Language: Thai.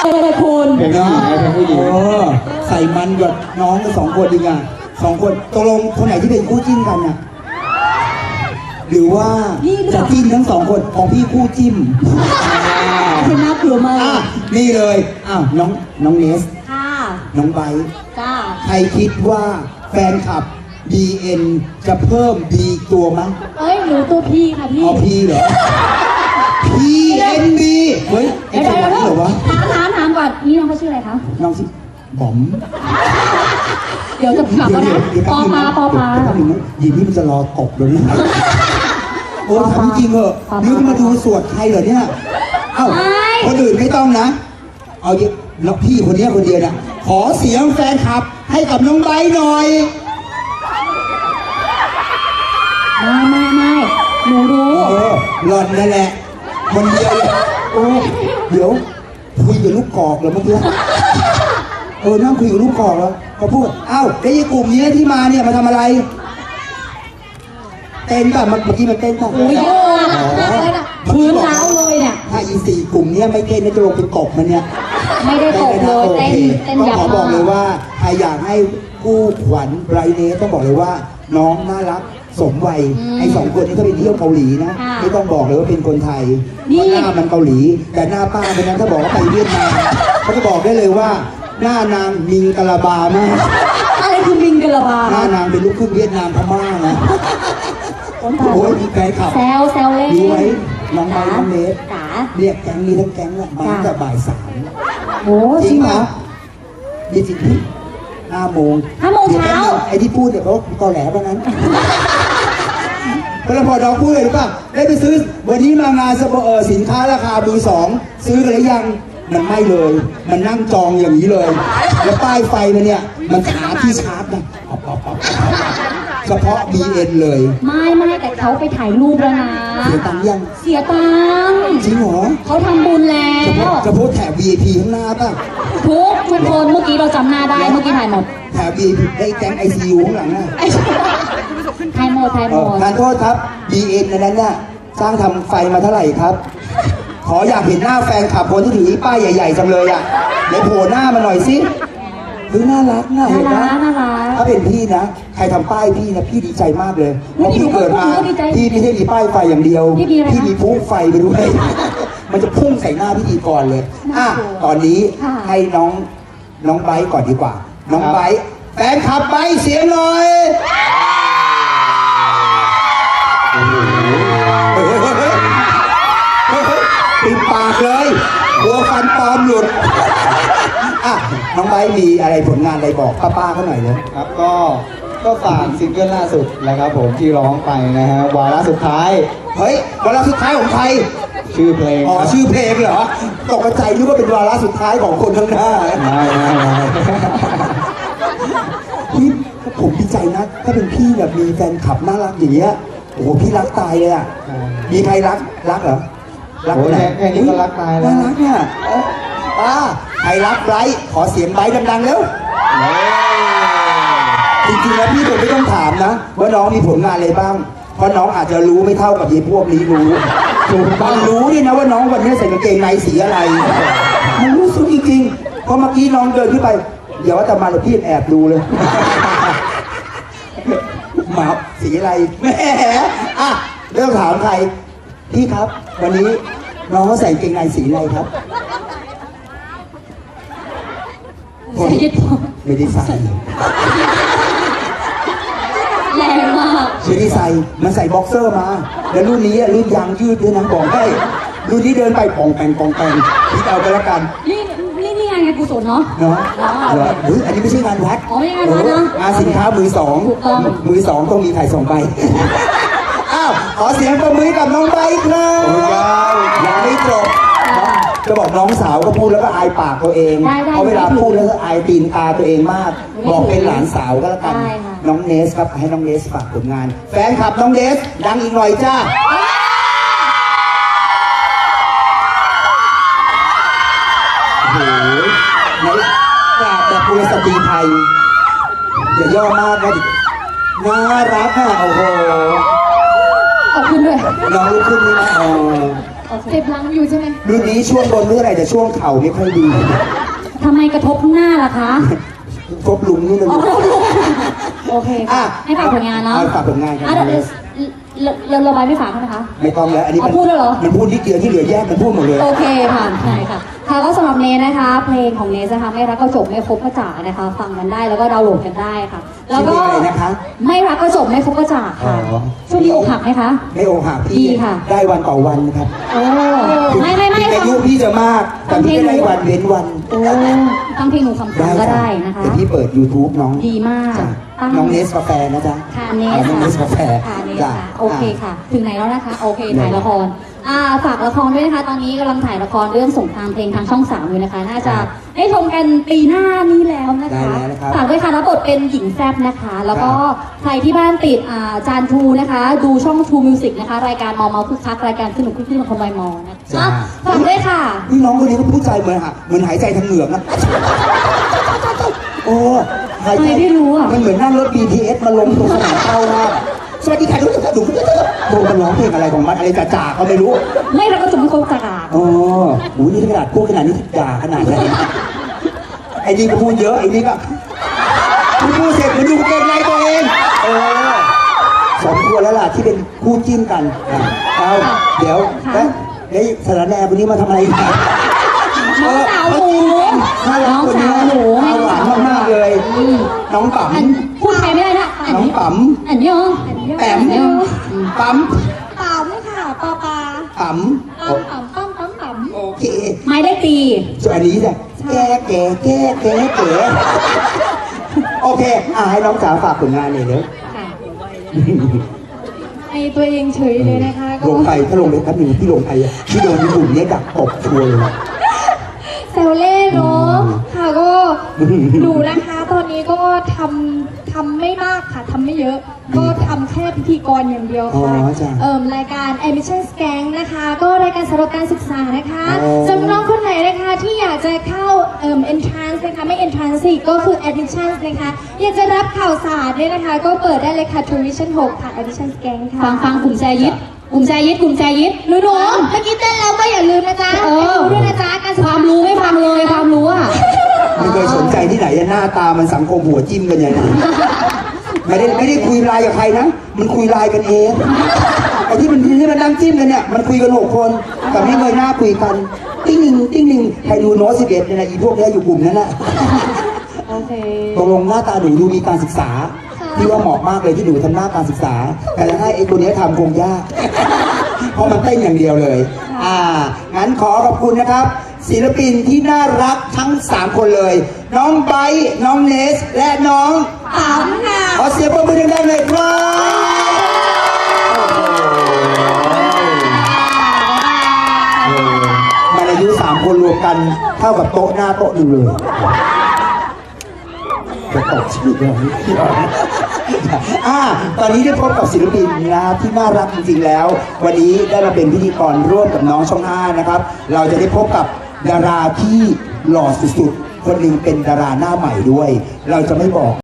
เลยคุณเป็นผู้หญิงใส่มันกับน้องกัน2 คนดีกว่า2 คนตกลงคนไหนที่เป็นคู่จิ้นกันน่ะหรือว่าจะจิ้นทั้ง2 คนของพี่คู่จิ้มเป็นน่ากลัวมากนี่เลยน้องเนสค่ะน้องไบร์ทจ้าใครคิดว่าแฟนคลับ BN จะเพิ่มดีตัวมั้ยหนูตัวพี่ค่ะพี่พี่เหรอ PNB เฮ้ยไอ้ตัวนี้เหรอวะถามก่อนนี่น้องเขาชื่ออะไรคะน้องชื่อบอมเดี๋ยวจะกลับแล้วนะปอพายินนี่มันจะรอตบเลยนะถามจริงเหรอนี่มาดูสวดใครเหรอเนี่ยคนอื่นไม่ต้องนะเอาเยอะแล้วพี่คนนี้คนเดียวนะขอเสียงแฟนคลับให้กับน้องไบร์ทหน่อยไม่หนูรู้หล่อนนั่นแหละคนเดียวเลยเดี๋ยวคุยกับลูกกอกเหรอเมื่อกี้นั่งคุยกับลูกกอกแล้วเขาพูดแล้วไอ้กลุ่มนี้ที่มาเนี่ยมาทำอะไรเต้นป่ะเมื่อกี้มันเต้นป่ะพื้นเท้าเลยเนี่ยถ้า4 กลุ่มนี้ไม่เต้นจะลงเป็นตบมันเนี่ยไม่ได้ตบเลยเต้นขอบอกเลยว่าใครอยากให้คู่ขวัญไบรท์เนสต้องบอกเลยว่าน้องน่ารักสมวัยไอ้2 คนนี้ก็เป็นเที่ยวเกาหลีนะไม่ต้องบอกเลยว่าเป็นคนไทยหน้ามันเกาหลีแต่หน้าป้าเป็นนั้นถ้าบอกว่าไปเวียดนามเขาจะบอกได้เลยว่าหน้านางมิงกะลาบามากอะไรคือมิงกะลาบาหน้านางเป็นลูกครึ่งเวียดนามพม่านะโอ้ยมีแฟนคลับแซวเล่นดูไว้น้องไบร์ทน้องเนสเรียกแก๊งนี้ทั้งแก๊งละมาตั้งแต่บ่าย 3 โอ้จริงเหรอมีจริงที่5 โมงเช้าไอ้ที่พูดเนี่ยเขาตอแหลเพราะนั้นพอพอน้องพูดเลยหรือเปล่าได้ไปซื้อวันนี้มางานสินค้าราคามือ 2ซื้อกันหรือยังมันไม่เลยมันนั่งจองอย่างนี้เลยแล้วป้ายไฟมันเนี่ยมันหาที่ชาร์จนะเฉพาะ BN เลยไม่แต่เขาไปถ่ายรูปแล้วนะเสียตังค์ยังเสียตังค์จริงเหรอเขาทำบุญแล้วจะพูดแถบ VIP ข้างหน้าป่ะทุกคนเมื่อกี้เราจำหน้าได้เมื่อกี้ถ่ายหมดแถบ VIP ได้แก๊ง ICU ข้างหลังน่ะถ่ายหมดทานโทษครับ BN นั้นน่ะสร้างทำไฟมาเท่าไหร่ครับขออยากเห็นหน้าแฟนขับคนที่ถือป้ายใหญ่ๆจังเลยอ่ะเดี๋ยวโผล่หน้ามาหน่อยสิน่ารักเห็นไหมถ้าเป็นพี่นะใครทำป้ายพี่นะพี่ดีใจมากเลยเพราะพี่เกิดมาพี่ไม่ใช่มีป้ายไฟอย่างเดียวพี่มีพุ่งไฟไปด้วยมันจะพุ่งใส่หน้าพี่ก่อนเลยตอนนี้ให้น้องไบร์ทก่อนดีกว่าน้องไบร์ทแฟนขับไบร์ทเสียงหน่อยปิดปากเลยหัวฟันปลอมหลุดน้องไบร์ทมีอะไรผลงานอะไรบอกป้าเขาหน่อยเลยครับก็ฝากซิงเกิลล่าสุดนะครับผมที่ร้องไปนะฮะวาระสุดท้ายวาระสุดท้ายของใครชื่อเพลงชื่อเพลงเหรอตกใจนึกว่าเป็นวาระสุดท้ายของคนข้างหน้าไม่ผมดีใจนะถ้าเป็นพี่แบบมีแฟนคลับน่ารักอย่างเงี้ยโอ้โหพี่รักตายเลยมีใครรักเหรอรักไหนแค่นี้ก็รักตายแล้วรักเนี่ยใครรักไบร์ทขอเสียงไบร์ทดังๆแล้วจริงๆแล้วพี่ผมไม่ต้องถามนะว่าน้องมีผลงานอะไรบ้างเพราะน้องอาจจะรู้ไม่เท่ากับยีพวกนี้บางรู้นี่นะว่าน้องวันนี้ใส่กางเกงในสีอะไรมันรู้สึกจริงๆเพราะเมื่อกี้น้องเดินขึ้นไปเดี๋ยวว่าแต่มาแล้วพี่แอบดูเลยหมาสีอะไรแหมเรื่องถามใครพี่ครับวันนี้น้องเขาใส่กางเกงในสีอะไรครับไม่ได้ใส่แรงมากไม่ได้ใส่มันใส่บ็อกเซอร์มาแล้วรุ่นนี้รุ่นยางยืดด้วยนะบอกให้รุ่นนี้เดินไปปองแปงพี่เอาไปแล้วกันนี่งานกุศลเนาะอันนี้ไม่ใช่งานวัดไม่ใช่งานวัดนะงานสินค้ามือ 2ต้องมีถ่าย2 ใบขอเสียงประมือกับน้องไบร์ทครับยังไม่จบจะบอกน้องสาวก็พูดแล้วก็อายปากตัวเองเพราะเวลาพูดแล้วก็อายตีนตาตัวเองมากบอกเป็นหลานสาวก็แล้วกันน้องเนสครับให้น้องเนสฝากผลงานแฟนคลับน้องเนสดังอีกหน่อยจ้าโอ้โหในกราบแบบกุลสตรีไทยอย่าย่อมากนะน่ารักโอ้โหขอบคุณด้วยน้องลูกขึ้นนี่นะโอเคเจ็บหลังอยู่ใช่ไหมรุ่นนี้ช่วงบนเมื่อไหร่แต่ช่วงเข่าไม่ค่อยดีทำไมกระทบข้างหน้าล่ะคะครบลุงนี่เลยโอเคอ่ะค่ะให้ฝากผลงานเนาะเอาฝากผลงานครับอ่ะเดี๋ยวเราใบไม่ฝากเขาไหมคะไม่ต้องแล้วอันนี้เอาพูดแล้วเหรอมันพูดนิดเดียวที่เหลือแยกมันพูดหมดเลยโอเคค่ะใช่ค่ะค่ะก็สำหรับเนสนะคะ เพลงของเนสนะคะไม่รักก็จบไม่คบก็จากนะคะ ฟังกันได้แล้วก็ดาวน์โหลดกันได้ค่ะ แล้วก็ชื่อเพลงอะไรนะคะไม่รักก็จบไม่คบก็จากค่ะอ๋อช่วงนี้อกหักไหมคะไม่โอหักดีพี่ค่ะได้วันต่อวันนะครับโอ้ไม่ถึงอาค่ะยุพี่จะมากแต่พี่ได้วันเว้นวันโอ้ฟังเพลงหนูคำๆก็ได้นะคะเดี๋ยวพี่เปิด YouTube น้องดีมากจ้ะตั้งน้องเนสกาแฟนะจ๊ะค่ะเนสน้องเนสกาแฟค่ะเนสจ้ะค่ะโอเคค่ะ ถึงไหนแล้วนะคะ โอเคถ่ายละครฝากละครด้วยนะคะ ตอนนี้กำลังถ่ายละครเรื่องสงครามเพลงทางช่อง 3อยู่นะคะ น่าจะได้ชมกันปีหน้านี้แล้วนะคะได้แล้วนะครับฝากด้วยค่ะรับบทเป็นหญิงแซ่บนะคะ แล้วก็ใครที่บ้านติดจานทูนะคะ ดูช่องทูมิวสิกนะคะ รายการมอเมาคึกคักรายการสนุกคึกคืนของคนวัยมอนะคะฝากด้วยค่ะนี่น้องคนนี้ก็พูดใจเหมือนหายใจทางเหงือกนะ โอ้หายใจทำไมไม่รู้อ่ะมันเหมือนนั่งรถ BTS มาลงตรงสนามเข้าว่าสวัสดีค่ะทุกท่านดูโบมันร้องเพลงอะไรของมันอะไรจ่าๆก็ไม่รู้ไม่รักก็จบไม่คบจากอ๋อโหนี่ขนาดพูดขนาดนี้ด่าขนาดไหนไอ้นี่ก็พูดเยอะไอ้นี่ก็พูดเสร็จมันดูเกรงในตัวเองสมควรแล้วล่ะที่เป็นคู่จิ้นกันเอาเดี๋ยวแล้วสารแหน่วันนี้มาทำอะไรกันน้องสาวหมูน่ารักน้องคนนี้สาวหมูหวานมากๆเลย น้องปั๊มพูดไทยไม่ได้นะน้องปั๊มอันยองแปมปั๊มปั๊มค่ะปอปาปั๊มปั๊มโอเคไม่ได้ตีส่วนอันนี้จ้ะแก่โอเคให้น้องจ๋าฝากผลงานหน่อยเดี๋ยวค่ะในตัวเองเฉยเลยนะคะก็ลงไปถ้าลงไปแป๊บนึงที่ลงไปที่โดนญี่ปุ่นเนี่ยดักตบชัวร์เลยแซวเล่นเนาะค่ะก็หนูนะคะตอนนี้ก็ทำไม่มากค่ะทำไม่เยอะ ก็ทำแค่พิธีกรอย่างเดียวค่ะอ๋อจ้ะรายการ Admission Scan นะคะ ก็รายการสำหรับการศึกษานะคะอ๋อสำหรับน้องคนไหนนะคะที่อยากจะเข้าentrance นะคะไม่ entrance สิก็คือ admission นะคะอยากจะรับข่าวสารเนี่ยนะคะ ก็เปิดได้เลยค่ะ tuition 6ค่ะ Admission Scan ค่ะฟังกลุ่มแจยิดกลุ่มแจยิดหนูเมื่อกี้เต้นแล้วก็อย่าลืมนะจ๊ะเออดูด้วยนะจ๊ะการศึกคษวามรู้ไม่ฟังเลยความรู้อ่ะไม่เคยสนใจที่ไหนหน้าตามันสังคมหัวจิ้มกันอย่างนั้นไม่ได้คุยไลน์กับใครนะ มันคุยไลน์กันเองไอ้ที่มันนั่งจิ้มกันเนี่ยมันคุยกัน6 คนแต่ไม่เคยหน้าคุยกันติ้งหนึ่งใครดูโน้ต11เนี่ยนะอีพวกเนี้ยอยู่กลุ่มนั้นน่ะโอเคตกลงหน้าตาหนูดูมีการศึกษาพี่ว่าเหมาะมากเลยที่หนูทำหน้าการศึกษา แต่จะให้ไอ้ตัวเนี้ยทำคงยาก เพราะมันเต้นอย่างเดียวเลย งั้นขอขอบคุณนะครับ ศิลปินที่น่ารักทั้ง 3 คนเลย น้องไบร์ทน้องเนส และน้องปั๊มค่ะขอเสียงปรบมือดังๆเลยครับมันอายุ 3 คนรวมกันเท่ากับโต๊ะหน้าโต๊ะหนึ่งเลย จะตกชื่อเลยตอนนี้ได้พบกับศิลปินนะครับที่น่ารักจริงๆแล้ว วันนี้ได้มาเป็นพิธีกรร่วมกับน้องช่อง 5นะครับ เราจะได้พบกับดาราที่หล่อสุดๆ คนหนึ่งเป็นดาราหน้าใหม่ด้วย เราจะไม่บอก